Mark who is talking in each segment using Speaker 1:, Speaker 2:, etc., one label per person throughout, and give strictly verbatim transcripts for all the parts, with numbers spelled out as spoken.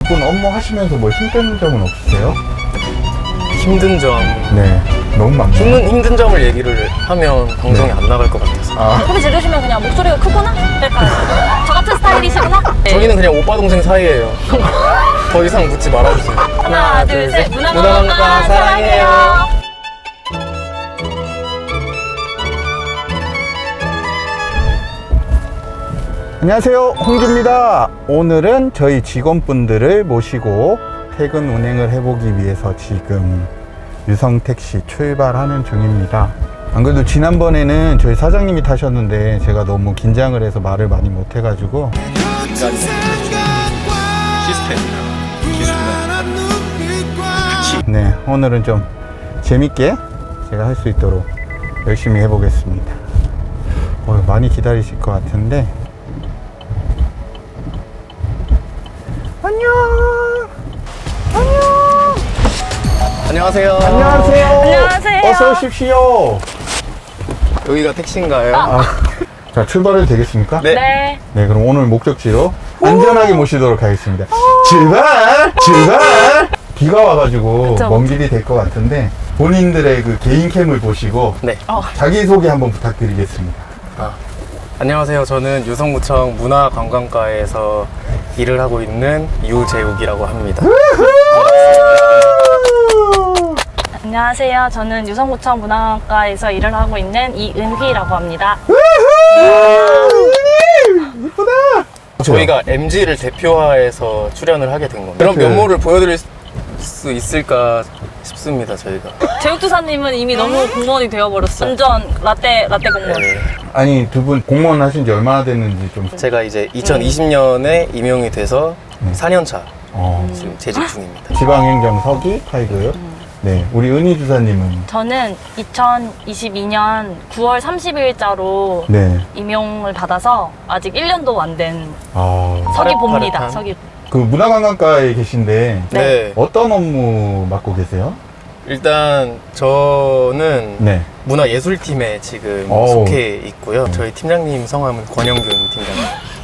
Speaker 1: 분 업무 하시면서 뭐 힘든 점은 없으세요?
Speaker 2: 힘든 점.
Speaker 1: 네, 너무 많네요.
Speaker 2: 힘든, 힘든 점을 얘기를 하면 방송이
Speaker 1: 네.
Speaker 2: 안 나갈 것 같아서.
Speaker 1: 아,
Speaker 3: 소리 지르시면 그냥 목소리가 크구나? 이럴까요? 저 같은 스타일이시구나? 네.
Speaker 2: 저희는 그냥 오빠 동생 사이예요. 더 이상 묻지 말아주세요.
Speaker 3: 하나, 둘, 셋.
Speaker 2: 문화관광가
Speaker 3: 문화관광가
Speaker 2: 사랑해요.
Speaker 3: 사랑해요.
Speaker 1: 안녕하세요, 홍주입니다. 오늘은 저희 직원분들을 모시고 퇴근 운행을 해보기 위해서 지금 유성택시 출발하는 중입니다. 안 그래도 지난번에는 저희 사장님이 타셨는데 제가 너무 긴장을 해서 말을 많이 못 해가지고
Speaker 2: 시스템.
Speaker 1: 네, 오늘은 좀 재밌게 제가 할 수 있도록 열심히 해보겠습니다. 어, 많이 기다리실 것 같은데. 안녕. 안녕.
Speaker 2: 안녕하세요.
Speaker 1: 안녕하세요.
Speaker 3: 안녕하세요.
Speaker 1: 어서 오십시오.
Speaker 2: 여기가 택시인가요?
Speaker 1: 아, 자, 출발해도 되겠습니까?
Speaker 2: 네.
Speaker 3: 네.
Speaker 1: 네, 그럼 오늘 목적지로 안전하게 모시도록 하겠습니다. 출발! 출발! 비가 와가지고
Speaker 3: 그쵸,
Speaker 1: 먼 길이 될 것 같은데 본인들의 그 개인 캠을 보시고
Speaker 2: 네.
Speaker 3: 어.
Speaker 1: 자기소개 한번 부탁드리겠습니다.
Speaker 2: 아, 안녕하세요. 저는 유성구청 문화관광과에서 일을 하고 있는 유재욱이라고 합니다.
Speaker 3: 안녕하세요. 저는 유성구청 문화관과에서 일을 하고 있는 이은휘라고 합니다.
Speaker 1: 이쁘다.
Speaker 2: 저희가 엠지를 대표화해서 출연을 하게 된 겁니다. 그런
Speaker 1: 그-
Speaker 2: 면모를 보여드릴 수 있을까 싶습니다, 저희가.
Speaker 3: 제육두사님은 이미 너무 공무원이 되어버렸어요. 완전 라떼, 라떼 공무원.
Speaker 2: 네.
Speaker 1: 아니, 두 분 공무원 하신 지 얼마나 됐는지 좀.
Speaker 2: 제가 이제 이천이십 년에 임용이 돼서
Speaker 1: 네.
Speaker 2: 사 년 차
Speaker 1: 어.
Speaker 2: 지금 재직 중입니다.
Speaker 1: 지방행정 서기 파이고요. 네, 우리 은희 주사님은.
Speaker 3: 저는 이천이십이 년 구월 삼십일자로
Speaker 1: 네.
Speaker 3: 임용을 받아서 아직 일 년도 안 된
Speaker 1: 아,
Speaker 3: 서기봅니다.
Speaker 2: 파릇파릇한.
Speaker 3: 서기.
Speaker 1: 그 문화관광과에 계신데
Speaker 3: 네.
Speaker 2: 네.
Speaker 1: 어떤 업무 맡고 계세요?
Speaker 2: 일단 저는
Speaker 1: 네.
Speaker 2: 문화예술팀에 지금
Speaker 1: 어우.
Speaker 2: 속해 있고요. 저희 팀장님 성함은 권영균 팀장님.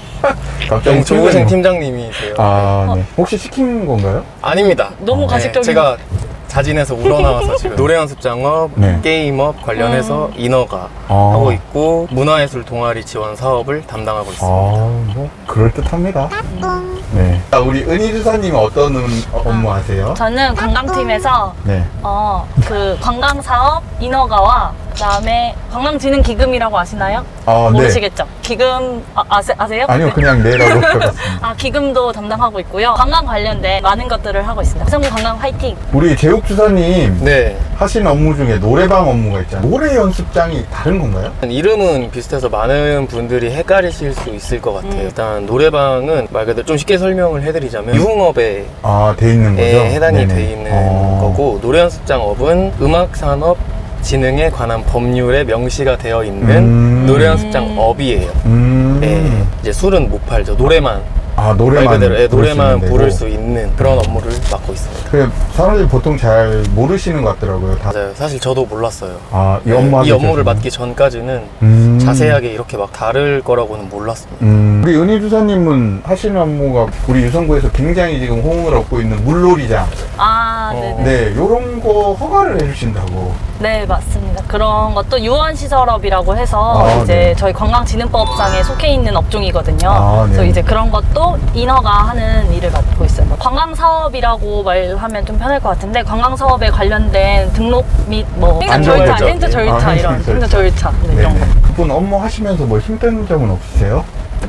Speaker 1: 갑자기
Speaker 2: 조고생
Speaker 1: 팀장님.
Speaker 2: 팀장님이세요.
Speaker 1: 아, 네. 혹시 시킨 건가요?
Speaker 2: 아닙니다.
Speaker 3: 너무
Speaker 1: 어.
Speaker 3: 가식적인.
Speaker 2: 제가 자진해서 우러나와서 지금 노래 연습 장업,
Speaker 1: 네.
Speaker 2: 게임업 관련해서 인허가
Speaker 1: 아.
Speaker 2: 하고 있고 문화예술 동아리 지원 사업을 담당하고 있습니다.
Speaker 1: 아, 뭐 그럴듯합니다. 네. 아, 우리 은희 주사님은 어떤 음- 업무 하세요?
Speaker 3: 저는 관광팀에서
Speaker 1: 네.
Speaker 3: 어, 그 관광사업 인허가와 그다음에 관광진흥기금이라고 아시나요?
Speaker 1: 아, 네.
Speaker 3: 모르시겠죠? 기금 아, 아세, 아세요?
Speaker 1: 아니요,
Speaker 3: 네.
Speaker 1: 그냥 네라고 해봤습니다.
Speaker 3: 아, 기금도 담당하고 있고요. 관광 관련된 많은 것들을 하고 있습니다. 성구 관광 화이팅!
Speaker 1: 우리 제육 주사님
Speaker 2: 네.
Speaker 1: 하시는 업무 중에 노래방 업무가 있잖아요. 노래 연습장이 다른 건가요?
Speaker 2: 이름은 비슷해서 많은 분들이 헷갈리실 수 있을 것 같아요.
Speaker 3: 음.
Speaker 2: 일단 노래방은 말 그대로 좀 쉽게 설명을 해드리자면 유흥업에
Speaker 1: 아, 돼 있는 거죠?
Speaker 2: 해당이
Speaker 1: 네네.
Speaker 2: 돼 있는
Speaker 1: 어.
Speaker 2: 거고 노래연습장업은 음악산업 진흥에 관한 법률에 명시가 되어 있는
Speaker 1: 음.
Speaker 2: 노래연습장업이에요.
Speaker 1: 음.
Speaker 2: 예, 이제 술은 못 팔죠. 노래만
Speaker 1: 아,
Speaker 2: 말
Speaker 1: 노래만
Speaker 2: 그대로 예,
Speaker 1: 부를 수
Speaker 2: 노래만
Speaker 1: 있는
Speaker 2: 부를
Speaker 1: 데고.
Speaker 2: 수 있는 그런 업무를 맡고 있습니다.
Speaker 1: 그래, 사람들이 보통 잘 모르시는 것 같더라고요. 다.
Speaker 2: 맞아요. 사실 저도 몰랐어요.
Speaker 1: 아, 이
Speaker 2: 예,
Speaker 1: 업무 하기
Speaker 2: 이 업무를
Speaker 1: 전에는.
Speaker 2: 맡기 전까지는
Speaker 1: 음.
Speaker 2: 자세하게 이렇게 막 다를 거라고는 몰랐습니다.
Speaker 1: 음. 우리 은희 주사님은 하시는 업무가 우리 유성구에서 굉장히 지금 호응을 얻고 있는 물놀이장.
Speaker 3: 아,
Speaker 2: 어.
Speaker 3: 네네.
Speaker 1: 네, 요런 거 허가를 해주신다고.
Speaker 3: 네, 맞습니다. 그런 것도 유원시설업이라고 해서
Speaker 1: 아,
Speaker 3: 이제
Speaker 1: 네.
Speaker 3: 저희 관광진흥법상에 속해 있는 업종이거든요.
Speaker 1: 아, 네.
Speaker 3: 그래서 이제 그런 것도 인허가하는 일을 맡고 있어요. 관광사업이라고 말하면 좀 편할 것 같은데 관광사업에 관련된 등록 및 뭐 행정 절차,
Speaker 2: 안전절차.
Speaker 3: 행정 절차
Speaker 1: 아,
Speaker 3: 이런
Speaker 1: 행정
Speaker 3: 행정 절차 네, 이런 거.
Speaker 1: 네네. 그분 업무 하시면서 뭐 힘든 점은 없으세요?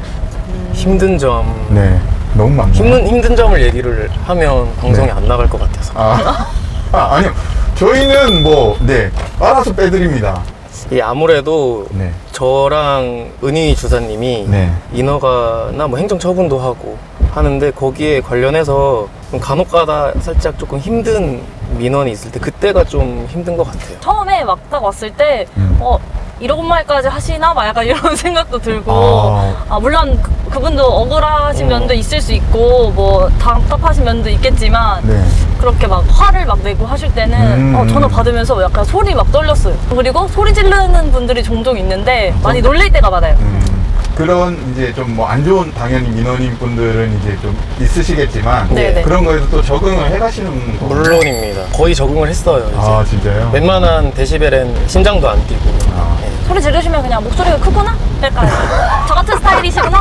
Speaker 2: 힘든 점
Speaker 1: 네, 너무 많네요.
Speaker 2: 힘든 힘든 점을 얘기를 하면 방송이
Speaker 1: 네.
Speaker 2: 안 나갈 것 같아서.
Speaker 1: 아, 아, 아니요. 저희는 뭐, 네, 알아서 빼드립니다.
Speaker 2: 이 아무래도
Speaker 1: 네.
Speaker 2: 저랑 은희 주사님이
Speaker 1: 네.
Speaker 2: 인허가나 뭐 행정 처분도 하고 하는데 거기에 관련해서 좀 간혹가다 살짝 조금 힘든 민원이 있을 때 그때가 좀 힘든 것 같아요.
Speaker 3: 처음에 막 딱 왔을 때
Speaker 1: 음.
Speaker 3: 어, 이런 말까지 하시나? 막 약간 이런 생각도 들고
Speaker 1: 아.
Speaker 3: 아, 물론 그, 그분도 억울하신
Speaker 2: 음.
Speaker 3: 면도 있을 수 있고 뭐 답답하신 면도 있겠지만
Speaker 1: 네.
Speaker 3: 그렇게 막 화를 막 내고 하실 때는
Speaker 1: 음.
Speaker 3: 어, 전화 받으면서 약간 소리 막 떨렸어요. 그리고 소리 지르는 분들이 종종 있는데 많이 놀릴 때가 많아요.
Speaker 1: 음. 그런 이제 좀 뭐 안 좋은 당연히 민원인 분들은 이제 좀 있으시겠지만
Speaker 3: 네네.
Speaker 1: 그런 거에도 또 적응을 해가시는 거.
Speaker 2: 물론입니다. 거의 적응을 했어요. 이제.
Speaker 1: 아 진짜요?
Speaker 2: 웬만한 데시벨엔 심장도 안 뛰고.
Speaker 1: 아.
Speaker 2: 예.
Speaker 3: 소리 지르시면 그냥 목소리가 크구나? 약간 저 같은 스타일이시구나?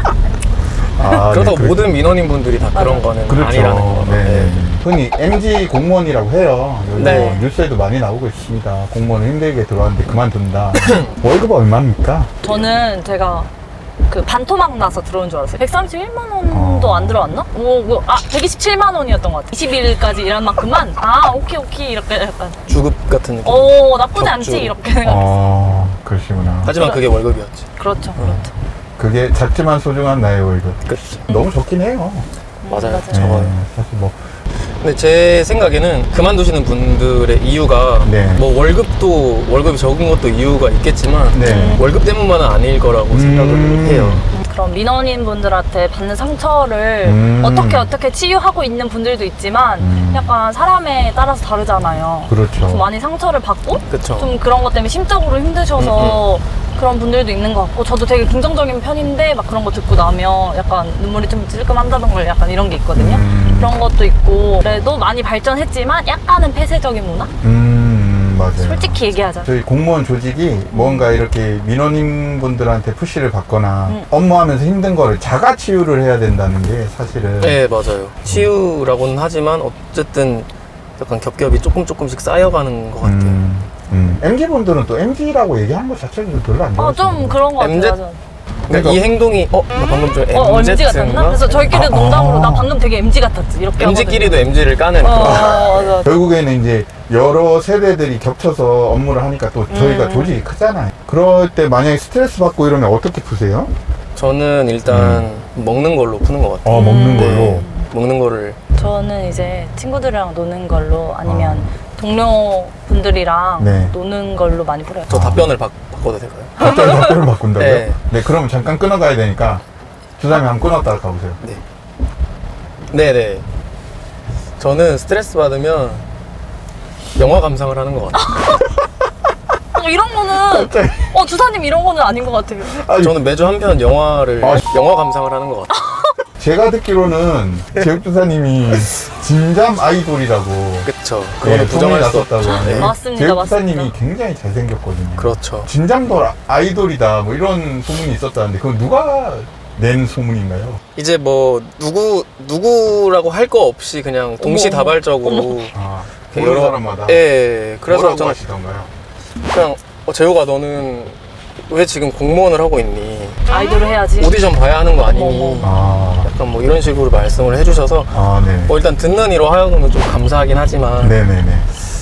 Speaker 1: 아,
Speaker 2: 그렇다고
Speaker 1: 네,
Speaker 2: 모든 민원인 분들이 다 그런 거는
Speaker 1: 그렇죠.
Speaker 2: 아니라는 거.
Speaker 1: 네. 네. 흔히 엠지 공무원이라고 해요. 요즘
Speaker 2: 네.
Speaker 1: 뉴스에도 많이 나오고 있습니다. 공무원은 힘들게 들어왔는데 그만둔다. 월급 얼마입니까?
Speaker 3: 저는 제가 그 반토막 나서 들어온 줄 알았어요. 백삼십일만 원도
Speaker 1: 어.
Speaker 3: 안 들어왔나? 오, 뭐, 아, 백이십칠만 원이었던 것 같아요. 이십 일까지 일한 만큼만, 아, 오케이, 오케이, 이렇게 약간,
Speaker 2: 주급 같은 느낌.
Speaker 3: 오, 나쁘지 않지,
Speaker 2: 적죠.
Speaker 3: 이렇게 생각.
Speaker 1: 어, 그러시구나.
Speaker 2: 하지만 그게 월급이었지.
Speaker 3: 그렇죠, 그렇죠.
Speaker 1: 그게 작지만 소중한 나의 월급.
Speaker 2: 끝.
Speaker 1: 너무 좋긴 해요.
Speaker 2: 맞아요.
Speaker 3: 맞아요.
Speaker 2: 적어요.
Speaker 1: 네, 사실 뭐.
Speaker 2: 근데 제 생각에는 그만두시는 분들의 이유가
Speaker 1: 네.
Speaker 2: 뭐 월급도 월급이 적은 것도 이유가 있겠지만
Speaker 1: 네.
Speaker 2: 월급 때문만은 아닐 거라고 생각을
Speaker 1: 음.
Speaker 2: 해요.
Speaker 3: 그럼 민원인 분들한테 받는 상처를
Speaker 1: 음.
Speaker 3: 어떻게 어떻게 치유하고 있는 분들도 있지만
Speaker 1: 음.
Speaker 3: 약간 사람에 따라서 다르잖아요.
Speaker 1: 그렇죠.
Speaker 3: 좀 많이 상처를 받고
Speaker 2: 그쵸.
Speaker 3: 좀 그런 것 때문에 심적으로 힘드셔서 그런 분들도 있는 것 같고 저도 되게 긍정적인 편인데 막 그런 거 듣고 나면 약간 눈물이 좀 찔끔한다던가 약간 이런 게 있거든요.
Speaker 1: 음.
Speaker 3: 그런 것도 있고 그래도 많이 발전했지만 약간은 폐쇄적인 문화?
Speaker 1: 음, 맞아요.
Speaker 3: 솔직히 얘기하자.
Speaker 1: 저희 공무원 조직이 뭔가 이렇게 민원인 분들한테 푸시를 받거나
Speaker 3: 음.
Speaker 1: 업무하면서 힘든 거를 자가 치유를 해야 된다는 게 사실은
Speaker 2: 네, 맞아요. 치유라고는 하지만 어쨌든 약간 겹겹이 조금 조금씩 쌓여가는 것 같아요.
Speaker 1: 음, 음. 엠지 분들은 또 엠지라고 얘기하는 것 자체는 별로 안
Speaker 3: 어,
Speaker 1: 좋아하시는
Speaker 3: 좀 그런 것 같아요.
Speaker 2: 엠지?
Speaker 3: 맞아.
Speaker 2: 그러니까 이 행동이 어? 나 방금 좀
Speaker 3: 어, 엠지 같았나?
Speaker 2: 엠지인가?
Speaker 3: 그래서 저희끼리
Speaker 1: 아,
Speaker 3: 농담으로
Speaker 1: 아.
Speaker 3: 나 방금 되게 엠지 같았지. 이렇게
Speaker 2: 엠지끼리도
Speaker 3: 하거든요.
Speaker 2: 엠지를 까는
Speaker 3: 어,
Speaker 2: 그런.
Speaker 3: 맞아.
Speaker 1: 결국에는 이제 여러 세대들이 겹쳐서 업무를 하니까 또 저희가
Speaker 3: 음.
Speaker 1: 조직이 크잖아요. 그럴 때 만약에 스트레스 받고 이러면 어떻게 푸세요?
Speaker 2: 저는 일단 먹는 걸로 푸는 것 같아요.
Speaker 1: 어, 먹는
Speaker 3: 음.
Speaker 1: 걸로.
Speaker 2: 네, 먹는 거를
Speaker 3: 저는 이제 친구들이랑 노는 걸로 아니면
Speaker 1: 어.
Speaker 3: 동료 분들이랑
Speaker 1: 네.
Speaker 3: 노는 걸로 많이 풀어요.
Speaker 2: 저 답변을 바, 바꿔도 될까요?
Speaker 1: 갑자기 답변을 바꾼다고요? 네.
Speaker 2: 네.
Speaker 1: 그럼 잠깐 끊어가야 되니까 주사님 한번 끊었다가 가보세요.
Speaker 2: 네. 네네. 저는 스트레스 받으면 영화 감상을 하는 것 같아요.
Speaker 3: 어, 이런 거는
Speaker 1: 갑자기.
Speaker 3: 어 주사님 이런 거는 아닌 것 같아요.
Speaker 1: 아니,
Speaker 2: 저는 매주 한 편 영화를
Speaker 1: 아,
Speaker 2: 영화 감상을 하는 것 같아요.
Speaker 1: 제가 듣기로는 제육주사님이 진잠 아이돌이라고
Speaker 2: 그쵸.
Speaker 1: 네,
Speaker 2: 그거는
Speaker 1: 소문이
Speaker 2: 부정할 수 없죠.
Speaker 1: 났었다고 하네요.
Speaker 2: 네.
Speaker 3: 맞습니다,
Speaker 1: 제육주사님이
Speaker 3: 맞습니다.
Speaker 1: 굉장히 잘생겼거든요.
Speaker 2: 그렇죠.
Speaker 1: 진잠돌 아이돌이다 뭐 이런 소문이 있었다는데 그건 누가 낸 소문인가요?
Speaker 2: 이제 뭐 누구 누구라고 할 거 없이 그냥 동시다발적으로
Speaker 1: 아,
Speaker 2: 그
Speaker 1: 여러 사람마다
Speaker 2: 예. 그래서
Speaker 1: 뭐라고
Speaker 2: 저는
Speaker 1: 하시던가요?
Speaker 2: 그냥 어, 재호가 너는 왜 지금 공무원을 하고 있니?
Speaker 3: 아이돌을 해야지.
Speaker 2: 오디션 봐야 하는 거 아니니?
Speaker 3: 어머.
Speaker 1: 아,
Speaker 2: 약간 뭐 이런 식으로 말씀을 해주셔서
Speaker 1: 아, 네.
Speaker 2: 뭐 일단 듣는 이로 하여금은 좀 감사하긴 하지만
Speaker 1: 네네네.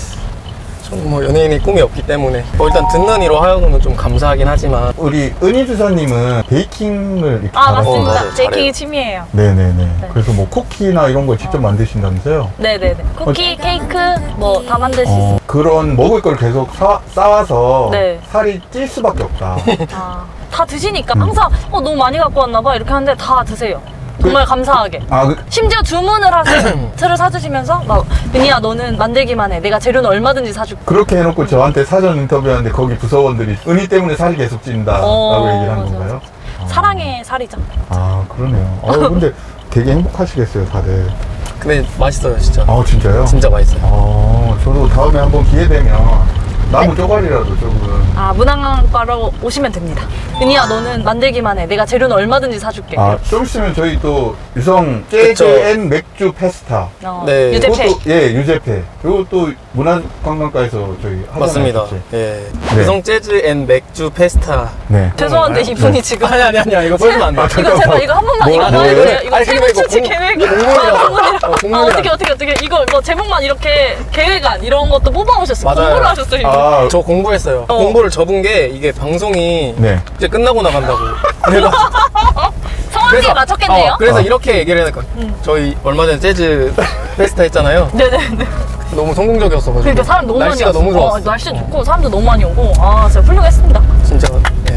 Speaker 2: 저는 뭐 연예인이 꿈이 없기 때문에 뭐 일단 듣는 이로 하여금은 좀 감사하긴 하지만
Speaker 1: 우리 은희 주사님은 베이킹을 이렇게
Speaker 3: 아
Speaker 1: 잘하시죠?
Speaker 2: 어,
Speaker 3: 맞습니다.
Speaker 2: 맞아요.
Speaker 3: 제이킹이
Speaker 2: 잘해요.
Speaker 3: 취미예요.
Speaker 1: 네네네. 그래서 뭐 쿠키나 이런 걸 직접 만드신다면서요?
Speaker 3: 네네네. 쿠키, 케이크 뭐 다 만들 수
Speaker 1: 어,
Speaker 3: 있어요.
Speaker 1: 그런 먹을 걸 계속 사, 쌓아서
Speaker 3: 네.
Speaker 1: 살이 찔 수밖에 없다.
Speaker 3: 아, 다 드시니까 항상 어 너무 많이 갖고 왔나 봐 이렇게 하는데 다 드세요. 정말 감사하게.
Speaker 1: 아, 그,
Speaker 3: 심지어 주문을 하세요. 틀을 사주시면서 막 은희야 너는 만들기만 해. 내가 재료는 얼마든지 사줄게.
Speaker 1: 그렇게 해놓고 저한테 사전 인터뷰하는데 거기 부서원들이 은희 때문에 살이 계속 찐다라고
Speaker 3: 어,
Speaker 1: 얘기를 한
Speaker 3: 맞아,
Speaker 1: 건가요? 아.
Speaker 3: 사랑의 살이죠.
Speaker 1: 아, 그러네요. 어, 근데 되게 행복하시겠어요, 다들.
Speaker 2: 근데 맛있어요 진짜.
Speaker 1: 아, 진짜요?
Speaker 2: 진짜 맛있어요.
Speaker 1: 아, 저도 다음에 한번 기회 되면 나무 쪼가리라도 조금.
Speaker 3: 아 문항과로 오시면 됩니다. 은희야 너는 만들기만 해. 내가 재료는 얼마든지 사줄게.
Speaker 1: 아, 좀 있으면 저희 또 유성
Speaker 2: 그쵸.
Speaker 1: 재즈 앤 맥주 페스타.
Speaker 3: 어,
Speaker 2: 네.
Speaker 3: 유재패.
Speaker 1: 그것도, 예, 유재패. 그리고 또 문화관광과에서 저희 하잖아요.
Speaker 2: 맞습니다.
Speaker 1: 같이.
Speaker 2: 예.
Speaker 1: 네.
Speaker 2: 유성 재즈 앤 맥주 페스타.
Speaker 1: 네.
Speaker 3: 죄송한데
Speaker 2: 네.
Speaker 3: 이분이 지금
Speaker 2: 아니 아니 아니야 이거 보여주면 안 돼.
Speaker 1: 아,
Speaker 3: 이거 제발 이거 한 번만 이거
Speaker 1: 뭐예요?
Speaker 3: 말해주세요. 이거
Speaker 2: 아니,
Speaker 3: 세번
Speaker 2: 이거
Speaker 3: 출시
Speaker 2: 공-
Speaker 3: 계획.
Speaker 2: 공문이라서.
Speaker 3: 아, 공문이라.
Speaker 2: 어,
Speaker 3: 아
Speaker 2: 공문이라서.
Speaker 3: 어떻게 어떻게 어떻게 이거 이거 제목만 이렇게 계획안 이런 것도 뽑아오셨어요.
Speaker 2: 맞아요.
Speaker 3: 공부를 하셨어요. 이거.
Speaker 1: 아,
Speaker 2: 저 공부했어요.
Speaker 3: 어.
Speaker 2: 공부를 접은 게 이게 방송이
Speaker 1: 네.
Speaker 2: 이제 끝나고 나간다고. 그래가지고
Speaker 3: 성함이 맞췄겠네요.
Speaker 2: 어, 그래서
Speaker 1: 어.
Speaker 2: 이렇게 얘기를 해야 될 것 같아요.
Speaker 3: 음.
Speaker 2: 저희 얼마 전에 재즈 페스타 했잖아요.
Speaker 3: 네네네.
Speaker 2: 너무 성공적이었어가지고.
Speaker 3: 그러니까 사람 너무
Speaker 2: 날씨가
Speaker 3: 많이
Speaker 2: 너무
Speaker 3: 왔어.
Speaker 2: 좋았어.
Speaker 3: 어, 날씨 좋고 사람도 너무 많이 오고 아 진짜 훌륭했습니다.
Speaker 2: 진짜. 예.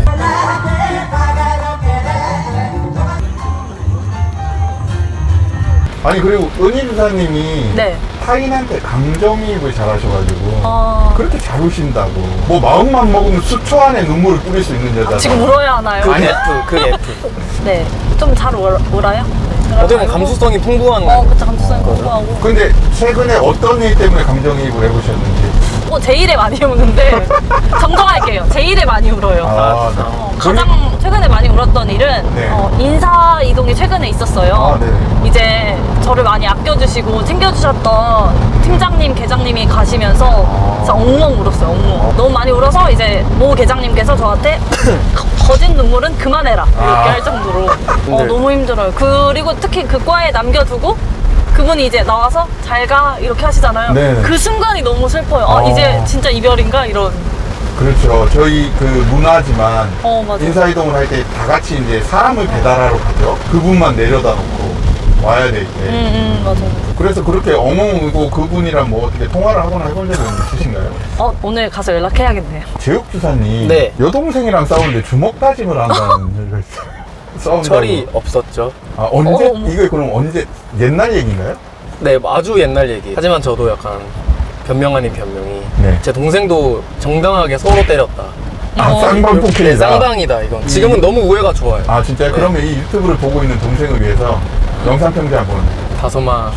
Speaker 1: 아니, 그리고 은희 주사님이
Speaker 3: 네.
Speaker 1: 타인한테 감정이입을 잘하셔가지고
Speaker 3: 아,
Speaker 1: 그렇게 잘 우신다고. 뭐 마음만 먹으면 수초 안에 눈물을 뿌릴 수 있는 여자.
Speaker 3: 지금 울어야 하나요?
Speaker 2: 그 F, 그 F.
Speaker 3: 네, 좀 잘 울어요?
Speaker 2: 어떻게 보면 감수성이 풍부한
Speaker 3: 어, 그쵸, 감수성이 풍부하고.
Speaker 1: 근데 최근에 어떤 일 때문에 감정이입을 해보셨는지.
Speaker 3: 어, 제 일에 많이 우는데 정정할게요. 제 일에 많이 울어요.
Speaker 1: 아, 네.
Speaker 3: 어, 가장 최근에 많이 울었던 일은
Speaker 1: 네.
Speaker 3: 어, 인사 이동이 최근에 있었어요.
Speaker 1: 아, 네.
Speaker 3: 이제 저를 많이 아껴주시고 챙겨주셨던 팀장님, 계장님이 가시면서 진짜 엉엉 울었어요. 엉엉. 너무 많이 울어서 이제 모 계장님께서 저한테 거짓 눈물은 그만해라 이렇게
Speaker 1: 아.
Speaker 3: 할 정도로 어,
Speaker 2: 네.
Speaker 3: 너무 힘들어요. 그리고 특히 그 과에 남겨두고 그분이 이제 나와서 잘 가 이렇게 하시잖아요.
Speaker 1: 네.
Speaker 3: 그 순간이 너무 슬퍼요. 아,
Speaker 1: 어.
Speaker 3: 이제 진짜 이별인가 이런.
Speaker 1: 그렇죠. 저희 그 문화지만
Speaker 3: 어, 맞아.
Speaker 1: 인사이동을 할 때 다 같이 이제 사람을 배달하러 가죠. 그분만 내려다 놓고 와야 될 때.
Speaker 3: 음, 음, 맞아.
Speaker 1: 그래서 그렇게 엉엉 울고 그분이랑 뭐 어떻게 통화를 하거나 해본 적은 있으신가요?
Speaker 3: 어, 오늘 가서 연락해야겠네요.
Speaker 1: 제육 주사님
Speaker 2: 네.
Speaker 1: 여동생이랑 싸우는데 주먹 다짐을 한다는 얘기가 있어요. 싸운다고.
Speaker 2: 철이 없었죠.
Speaker 1: 아, 언제?
Speaker 3: 어, 어머.
Speaker 1: 이게 그럼 언제? 옛날 얘기인가요?
Speaker 2: 네, 아주 옛날 얘기. 하지만 저도 약간 변명 아닌 변명이.
Speaker 1: 네.
Speaker 2: 제 동생도 정당하게 서로 때렸다.
Speaker 1: 아,
Speaker 3: 어.
Speaker 1: 쌍방폭행이다.
Speaker 2: 네, 쌍방이다, 이건. 지금은 너무 우애가 좋아요.
Speaker 1: 아, 진짜요?
Speaker 2: 네.
Speaker 1: 그러면 이 유튜브를 보고 있는 동생을 위해서 영상 편지 한번.
Speaker 2: 다솜아,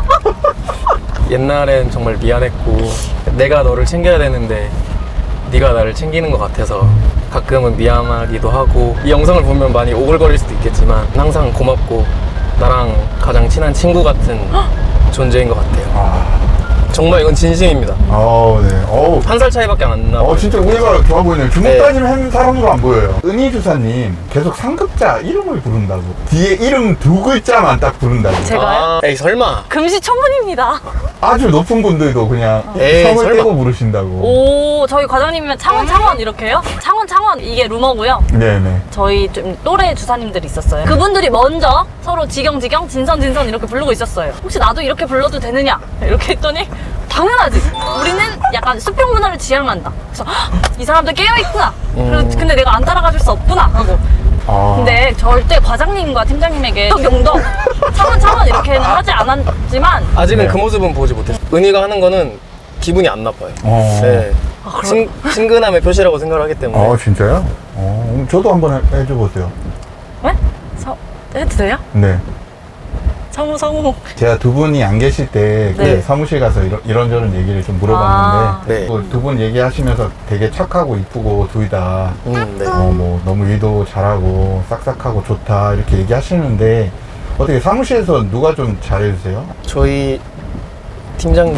Speaker 2: 옛날엔 정말 미안했고 내가 너를 챙겨야 되는데 네가 나를 챙기는 것 같아서 가끔은 미안하기도 하고 이 영상을 보면 많이 오글거릴 수도 있겠지만 항상 고맙고 나랑 가장 친한 친구 같은 존재인 것 같아요.
Speaker 1: 아,
Speaker 2: 정말 이건 진심입니다.
Speaker 1: 어우, 네. 어우.
Speaker 2: 한 살 차이밖에 안 나.
Speaker 1: 어, 진짜 우애가 좋아 보이네요. 주먹
Speaker 2: 네.
Speaker 1: 다짐 하는 사람으로 안 보여요. 은희 주사님 계속 상급자 이름을 부른다고. 뒤에 이름 두 글자만 딱 부른다고.
Speaker 3: 제가요?
Speaker 2: 아, 에이 설마.
Speaker 3: 금시초문입니다.
Speaker 1: 아주 높은 분들도 그냥
Speaker 2: 에이,
Speaker 1: 성을
Speaker 2: 설마.
Speaker 1: 떼고 부르신다고.
Speaker 3: 오, 저희 과장님이면 창원, 창원 이렇게요? 창원, 창원 이게 루머고요.
Speaker 1: 네네.
Speaker 3: 저희 좀 또래 주사님들이 있었어요. 그분들이 먼저 서로 지경지경, 진선진선 이렇게 부르고 있었어요. 혹시 나도 이렇게 불러도 되느냐? 이렇게 했더니 당연하지. 우리는 약간 수평 문화를 지향한다. 그래서 헉, 이 사람들 깨어있구나. 그래서 근데 내가 안 따라가 줄 수 없구나 하고.
Speaker 1: 아.
Speaker 3: 근데 절대 과장님과 팀장님에게 용덕, 창원, 창원 이렇게는 하지 않았지만
Speaker 2: 아직은
Speaker 1: 네.
Speaker 2: 그 모습은 보지 못했어요. 은희가 하는 거는 기분이 안 나빠요.
Speaker 1: 어.
Speaker 2: 네.
Speaker 3: 아, 그럼-
Speaker 2: 친, 친근함의 표시라고 생각을 하기 때문에.
Speaker 1: 어, 진짜요? 어, 그럼 저도 한번 해- 해줘보세요.
Speaker 3: 왜? 서, 해도 돼요?
Speaker 1: 네.
Speaker 3: 성우, 성우.
Speaker 1: 제가 두 분이 안 계실 때
Speaker 3: 네.
Speaker 1: 그 사무실 가서 이런, 이런저런 얘기를 좀
Speaker 3: 아.
Speaker 1: 물어봤는데
Speaker 2: 네.
Speaker 1: 두 분 얘기하시면서 되게 착하고 이쁘고 둘 다
Speaker 2: 음, 네.
Speaker 1: 어, 뭐 너무 일도 잘하고 싹싹하고 좋다 이렇게 얘기하시는데 어떻게 사무실에서 누가 좀 잘해주세요?
Speaker 2: 저희 팀장님,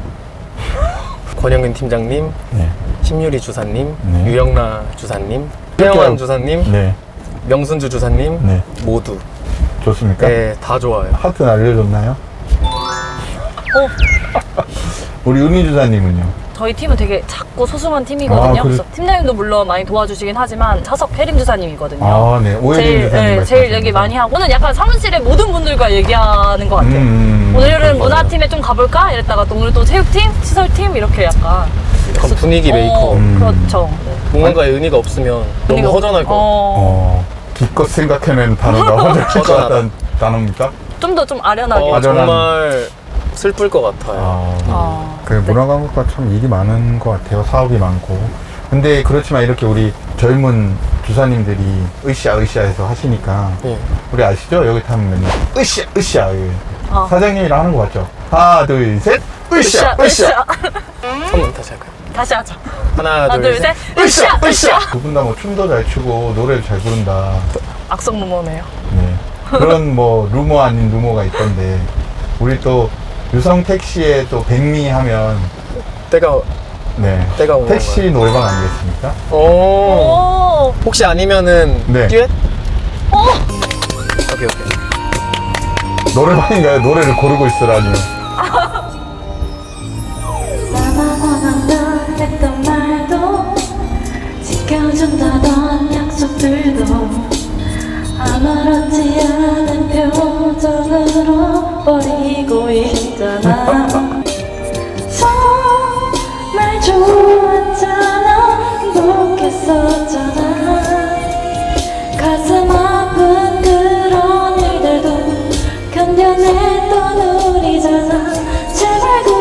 Speaker 2: 권영근 팀장님,
Speaker 1: 네.
Speaker 2: 심유리 주사님,
Speaker 1: 네.
Speaker 2: 유영나 주사님,
Speaker 1: 그렇게
Speaker 2: 최영환
Speaker 1: 하고-
Speaker 2: 주사님,
Speaker 1: 네.
Speaker 2: 명순주 주사님
Speaker 1: 네.
Speaker 2: 모두
Speaker 1: 좋습니까?
Speaker 2: 네, 다 좋아요.
Speaker 1: 하트 날려줬나요?
Speaker 3: 어,
Speaker 1: 우리 은희 주사님은요?
Speaker 3: 저희 팀은 되게 작고 소중한 팀이거든요.
Speaker 1: 아, 그래-
Speaker 3: 그래서 팀장님도 물론 많이 도와주시긴 하지만 차석 혜림 주사님이거든요.
Speaker 1: 아, 네. 오혜린
Speaker 3: 제일,
Speaker 1: 주사님.
Speaker 3: 네, 제일 얘기 많이 하고 오늘 약간 사무실의 모든 분들과 얘기하는 것 같아요.
Speaker 1: 음,
Speaker 3: 오늘은
Speaker 1: 그럴
Speaker 3: 문화팀에 좀 가볼까? 이랬다가 또 오늘 또 체육팀, 시설팀 이렇게 약간
Speaker 2: 약간 분위기
Speaker 3: 어,
Speaker 2: 메이커.
Speaker 1: 음.
Speaker 3: 그렇죠. 네.
Speaker 2: 뭔가에 은희가 없으면 너무
Speaker 3: 그리고-
Speaker 2: 허전할 것 같아요.
Speaker 3: 어,
Speaker 1: 어, 기껏 생각해낸 단어가 허전할 것
Speaker 2: 허전하다.
Speaker 1: 같다는 단어입니까?
Speaker 3: 좀 더 좀 아련하게.
Speaker 2: 어,
Speaker 1: 맞아.
Speaker 2: 정말 슬플 것 같아요.
Speaker 1: 아,
Speaker 3: 아,
Speaker 1: 그 문화광고과 참 일이 많은 것 같아요. 사업이 많고. 근데 그렇지만 이렇게 우리 젊은 주사님들이 으쌰 으쌰해서 하시니까
Speaker 2: 네.
Speaker 1: 우리 아시죠? 여기 타면 맨날 으쌰 으쌰 이게
Speaker 3: 어.
Speaker 1: 사장님이랑 하는 거 맞죠? 하나 둘 셋 으쌰 으쌰
Speaker 3: 으쌰.
Speaker 2: 선문 다시 할까요?
Speaker 3: 다시 하자.
Speaker 2: 하나,
Speaker 3: 하나, 둘, 셋. 으쌰, 으쌰.
Speaker 1: 두 분 다 뭐 춤도 잘 추고 노래도 잘 부른다.
Speaker 3: 악성 루머네요.
Speaker 1: 네. 그런 뭐 루머 아닌 루머가 있던데 우리 또 유성 택시에 또 백미 하면
Speaker 2: 때가
Speaker 1: 네
Speaker 2: 때가 오는
Speaker 1: 택시
Speaker 2: 건가요?
Speaker 1: 노래방 아니겠습니까?
Speaker 2: 오.
Speaker 3: 오,
Speaker 2: 혹시 아니면은
Speaker 1: 네.
Speaker 2: 듀엣?
Speaker 3: 어,
Speaker 2: 오케이 오케이.
Speaker 1: 노래방인가요? 노래를 고르고 있으라니.
Speaker 4: 나만 원한다 했던 말도 지켜준다던 약속들도 아무렇지 않은 표정으로 버리고 있잖아. 정말 좋았잖아, 행복했었잖아. 가슴 아픈 그런 일들도 견뎌냈던 우리잖아. 제발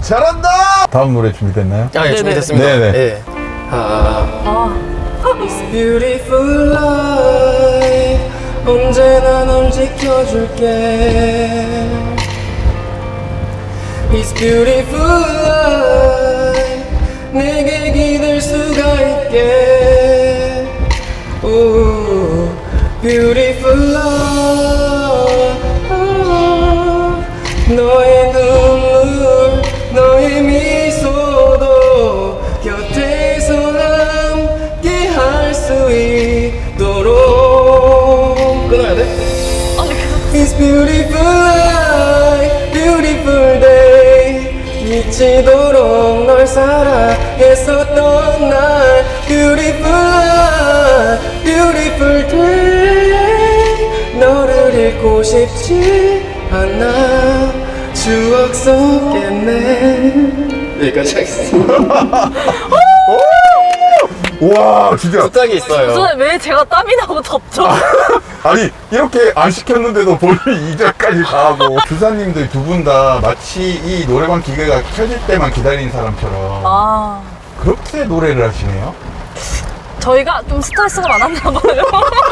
Speaker 1: 잘한다. 다음 노래 준비됐나요?
Speaker 2: 아, 예,
Speaker 3: 네네.
Speaker 2: 준비됐습니다.
Speaker 1: 네네.
Speaker 2: 예. 아,
Speaker 3: 아,
Speaker 2: It's beautiful life. 언제나 널 지켜줄게. It's beautiful life. 내게 기댈 수가 있게. Ooh, beautiful life. 너의 눈물, 너의 미소도 곁에서 함께 할 수 있도록. 끊어야 돼?
Speaker 3: 아니 계속
Speaker 2: It's beautiful life, beautiful day. 미치도록 널 사랑했었던 날. Beautiful life, beautiful day. 너를 잃고 싶지 않아. 추억 속겠네. 여기까지 하겠습니다.
Speaker 1: 와, 진짜.
Speaker 2: 부탁이 있어요.
Speaker 3: 저는 왜 제가 땀이 나고 덥죠?
Speaker 1: 아니, 이렇게 안 시켰는데도 본인이 이 절까지 다 하고. 주사님들 두 분 다 마치 이 노래방 기계가 켜질 때만 기다리는 사람처럼
Speaker 3: 아,
Speaker 1: 그렇게 노래를 하시네요.
Speaker 3: 저희가 좀 스트레스가 많았나 봐요.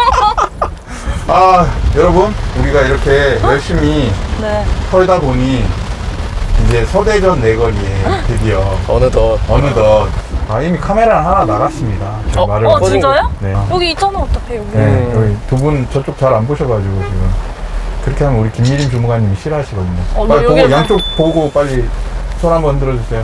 Speaker 1: 아, 여러분, 우리가 이렇게 열심히
Speaker 3: 네.
Speaker 1: 털다 보니 이제 서대전 내거리에 드디어
Speaker 2: 어느덧.
Speaker 1: 어느덧 아, 이미 카메라 하나 나갔습니다. 제
Speaker 2: 어,
Speaker 1: 말을
Speaker 3: 어,
Speaker 2: 꺼진
Speaker 3: 진짜요?
Speaker 1: 네.
Speaker 3: 여기 있잖아, 어차피 여기.
Speaker 1: 네,
Speaker 2: 음.
Speaker 1: 여기 두 분 저쪽 잘 안 보셔가지고 지금 그렇게 하면 우리 김미림 주무관님이 싫어하시거든요.
Speaker 3: 어,
Speaker 1: 빨리
Speaker 3: 뭐
Speaker 1: 보고
Speaker 3: 여기를
Speaker 1: 양쪽 보고 빨리 손 한번 흔들어 주세요.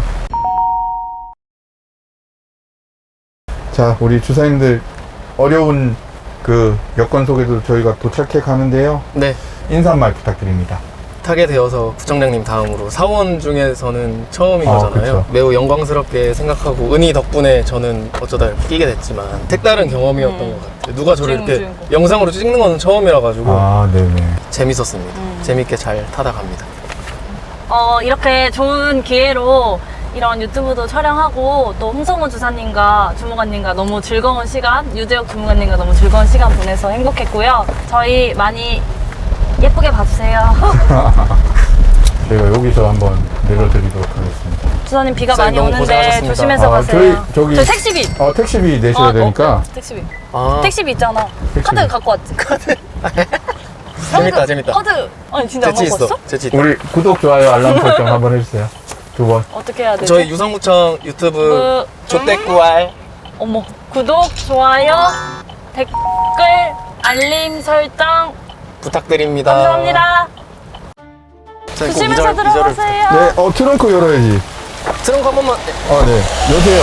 Speaker 1: 자, 우리 주사님들 어려운 그 여건 속에도 저희가 도착해 가는데요.
Speaker 2: 네.
Speaker 1: 인사 한 말 부탁드립니다.
Speaker 2: 타게 되어서 부총장님 다음으로 사원 중에서는 처음인
Speaker 1: 아,
Speaker 2: 거잖아요.
Speaker 1: 그쵸.
Speaker 2: 매우 영광스럽게 생각하고 은희 덕분에 저는 어쩌다 이렇게 끼게 됐지만 색다른 경험이었던
Speaker 3: 음.
Speaker 2: 것 같아요. 누가 저를
Speaker 3: 주인공,
Speaker 2: 이렇게
Speaker 3: 주인공.
Speaker 2: 영상으로 찍는 건 처음이라 가지고
Speaker 1: 아, 네네.
Speaker 2: 재밌었습니다.
Speaker 3: 음.
Speaker 2: 재밌게 잘 타다 갑니다.
Speaker 3: 어, 이렇게 좋은 기회로 이런 유튜브도 촬영하고 또 홍성우 주사님과 주무관님과 너무 즐거운 시간, 유재혁 주무관님과 너무 즐거운 시간 보내서 행복했고요. 저희 많이 예쁘게 봐주세요.
Speaker 1: 저희가 여기서 한번 내려드리도록 하겠습니다.
Speaker 3: 주사님 비가
Speaker 2: 주사님
Speaker 3: 많이
Speaker 2: 너무
Speaker 3: 오는데
Speaker 2: 고생하셨습니다.
Speaker 3: 조심해서
Speaker 1: 아,
Speaker 3: 가세요.
Speaker 1: 저희 저기
Speaker 3: 저 택시비.
Speaker 1: 어, 택시비 내셔야
Speaker 3: 어,
Speaker 1: 되니까.
Speaker 3: 어, 택시비.
Speaker 2: 아,
Speaker 3: 택시비 있잖아.
Speaker 1: 택시비.
Speaker 3: 카드 갖고 왔지? 카드.
Speaker 2: 재밌다, 재밌다.
Speaker 3: 카드. 아니 진짜 안
Speaker 2: 재치
Speaker 3: 갖고
Speaker 2: 있어.
Speaker 3: 왔어?
Speaker 2: 재치 있다.
Speaker 1: 우리 구독, 좋아요, 알람 설정 한번 해주세요. 두 번.
Speaker 3: 어떻게 해야 되지?
Speaker 2: 저희 유성구청 유튜브
Speaker 3: 그,
Speaker 2: 조떼꾸알
Speaker 3: 어머, 구독, 좋아요, 댓글, 알림 설정
Speaker 2: 부탁드립니다.
Speaker 3: 감사합니다.
Speaker 2: 자, 꼭
Speaker 3: 조심해서
Speaker 2: 이절- 이절을
Speaker 3: 들어가세요.
Speaker 1: 네, 어, 트렁크 열어야지.
Speaker 2: 트렁크 한 번만.
Speaker 1: 아, 네. 여세요.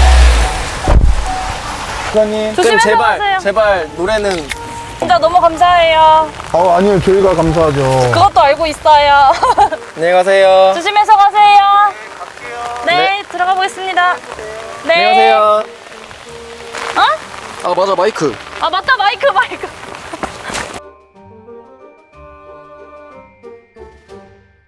Speaker 1: 수사님.
Speaker 3: 조심해서
Speaker 2: 그럼 제발
Speaker 3: 가세요.
Speaker 2: 제발 노래는
Speaker 3: 진짜 너무 감사해요.
Speaker 1: 어, 아니요. 저희가 감사하죠.
Speaker 3: 그것도 알고 있어요.
Speaker 2: 안녕히 가세요.
Speaker 3: 조심해서 가세요. 네, 네, 들어가 보겠습니다. 네.
Speaker 2: 안녕히 가세요.
Speaker 3: 어?
Speaker 2: 아 맞아 마이크.
Speaker 3: 아, 맞다. 마이크, 마이크.